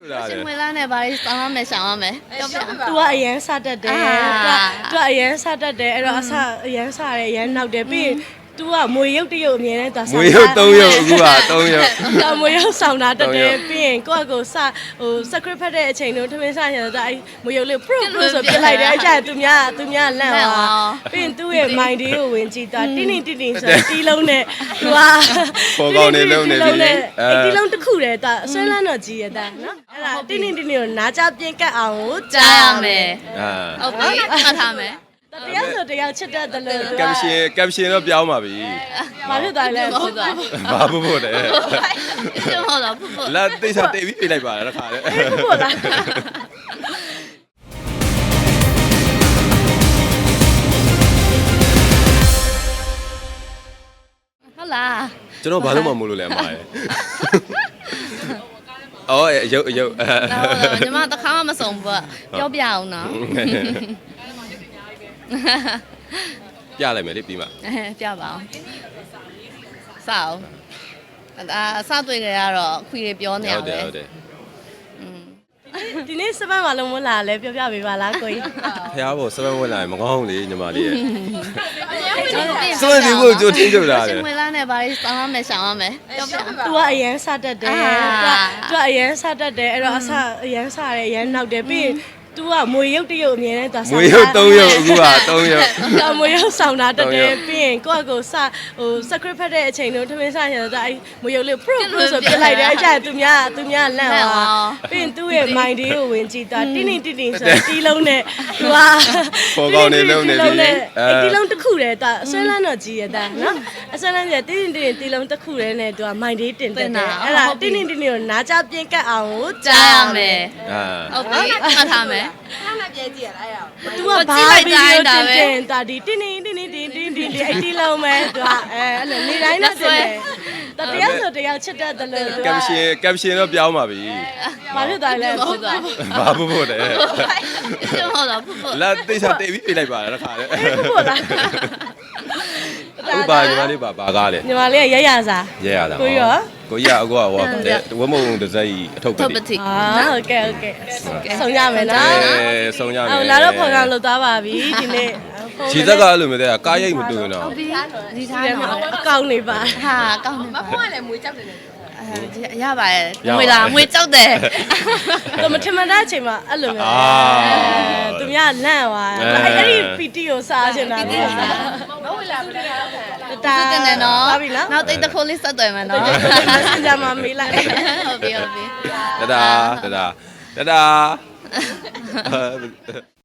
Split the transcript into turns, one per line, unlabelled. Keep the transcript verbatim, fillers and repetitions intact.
ရှင်မွေလာနဲ့ဘာလို့စောင်းရမယ်ရှောင်းရမယ်ပြောပြ
तू ကအရန်စတတ်တယ် तू ကအရန်စတတ်တယ်အဲ့တော့အစအရန်စတယ်အရန်နောက်တယ်ပြီး तू ကမွေရုပ်တရုပ်အမြဲတမ်း तू
မွေရုပ်၃ရုပ်အခုက၃ရုပ်
तू မွေရုပ်ဆောင်တာတက်တယ်ပြီးရင်ကိုယ့်အကိုစဟို script ဖတ်တဲ့အချိန်တို့ထမင်းစားရတော့အဲ့မွေရုပ်လေး pro pro ဆိုပြလိုက်တယ်အဲ့ကျရင် तू များ तू များလန့်သွားပြီးရင် तू ရဲ့ mind လေးကိုဝင်ကြည့်တာတင်းတင်းတင်းတင်းဆိုတီးလုံးနဲ့ तू က
ပေါ်ကောင်းနေလုံးနေပြီ
အဲ့တီးလုံးတစ်ခုတည်း तू အစွဲလန်းတော့ကြီးရတဲ့နော်အဲ့ဒါတင်းတင်းတင်းတင်းကိုနားကြပြင်းကတ်အောင်ကို
ကြားရမယ်
အာ
ဟုတ်ပြီမှတ်ထားမယ်
တယောက်ဆိုတယောက်ချစ်တတ်တယ်လို့
ကပ်ရှင်ကပ်ရှင်တော့ပြောင်းပါပြီ
ဘာဖြစ်သွားလဲ
ဟုတ်သွား
ဘာဖို့ဖို့လဲ
ကျွန်တော်တော့ဖုတ်ဖုတ်
လာတိတ်ချတိတ်ပြီးပြလိုက်ပါလားခါလေ
ဟုတ်လား
ဟုတ်လား
ကျွန်တော်ဘာလို့မှမလို့လဲအမရဲ့အော်ရုပ်ရုပ်
ညီမတခါမှမစုံဘူးပြောပြအောင်နော်
ပြလိုက်မယ်လေပြီးမှ
ပြပါအောင်စအောင်အာစတွေ့ကြရတော့ခွေတွေပြောနေရ
ဟုတ်တ
ပဲ
ယ်ဟုတ်တယ်
ဒီနေ့စပတ်မှာလုံးမလာလဲပြောပြပေးပါလားကိုကြီး
ဖះဘောစပန်ဝင်လာရင်မကောင်းလေညီမလေးရဲ့စပန်ဒီကိုကြိုတင်းကြတာလေ
ရှင်မွေလာနဲ့ဘာလို့စောင်းရမယ်ရှောင်းရမယ်ပြောပြ
तू ကအရန်စတတ်တယ် तू ကအရန်စတတ်တယ်အဲ့တော့အစအရန်စတယ်အရန်နောက်တယ်ပြီး तू ကမွေရုပ်တရုပ်အမြဲတမ်း तू
မွေရုပ်၃ရုပ်အခုက၃ရုပ်
तू မွေရုပ်ဆောင်တာတက်တယ်ပြီးရင်ကိုယ့်အကိုစဟို script ဖတ်တဲ့အချိန်တို့ထမင်းစားရတော့အဲ့မွေရုပ်လေး pro pro ဆိုပြလိုက်တယ်အဲ့ကျရင် तू များ तू များလန့်သွားပြီးရင် तू ရဲ့ mind လေးကိုဝင်ကြည့်တာတင်းတင်းတင်းတင်းဆိုတီးလုံးနဲ့ तू က
ပေါ်ကောင်းနေလုံးနေပြီ
အဲ့တီးလုံးတစ်ခုတည်း तू အစွဲလန်းတော့ကြီးရတဲ့နော်အစွဲလန်းကြီးတင်းတင်းတင်းတီးလုံးတစ်ခုတည်းနဲ့ तू က mind လေးတင်တယ်အဲ့ဒါတင်းတင်းတင်းတင်းကိုနားကြပြင်းကတ်အောင်ကို
ကြားရမယ်
အာ
ဟုတ်ပြီမှတ်ထားမယ်
तू ကဘာဗီဒီယိုတင်တင်တာဒီတင်းတင်းတင်းတင်းတင်းတင်းတင်းအဲ့တီးလုံးမဲ့ तू ကအဲအဲ့လိုနေတိုင်းနဲ့တင်တယ်တတရားဆိုတယောက်ချစ်တတ်တယ်လို့ तू
ကပ်ရှင်ကပ်ရှင်တော့ပြောင်းပါပြီ
ဘာဖြစ်သွားလဲ
ဟုတ်သွား
ဘာဖို့ဖို့လဲ
ကျွန်တော်တော့ဖုတ်ဖုတ်
လာတိတ်ချတိတ်ပြီးပြလိုက်ပါလားခါလေ
ဟုတ်လား
ဥပါညီမလေးပါပါကားလေ
ညီမလေးရရစား
ရဲရတာ
ကိုရော
ကိုရအခုကဟိုဝမုံတစ်စက်ကြီးအထုပ်ပဲ
ထုတ်ပတိ
အာဟုတ်ကဲ့ဟုတ်ကဲ့ဆုံးရမယ်နော်
အဲဆုံးရမယ်
အော်လာတော့ဖော်ကောင်လောက်သွားပါပြီဒီနေ့
ခြေသက်ကအဲ့လိုမျိုးတဲ့ကားရိတ်မတွေ့တော့
ဟုတ်ပြီဒီထား
ဒီ
တော့
မှာအကောင်းနေပါ
ဟာကောင်းနေပါ
မဖွင့်လည်းမွေးကြောက်တယ်လေ
ရပါရဲ့ငွေလားငွေကြောက်တယ်
တော့မထမတဲ့အချိန်မှာအဲ့လိုမျိုးသူများလန့်သွားအဲ့အဲ့ဒီပီတီကိုစားချင်တာလေ
မဝေလာဘူးလေ
တာ
တင်တယ်နော်
ပါပြီနော်
နောက်တိတ်တစ်ခိုးလေးဆက်သွယ်မယ်နော်
စင်ကြမှာမေးလိုက်
ဟုတ်ပြီဟုတ်ပြီ
တဒါတဒါတဒါ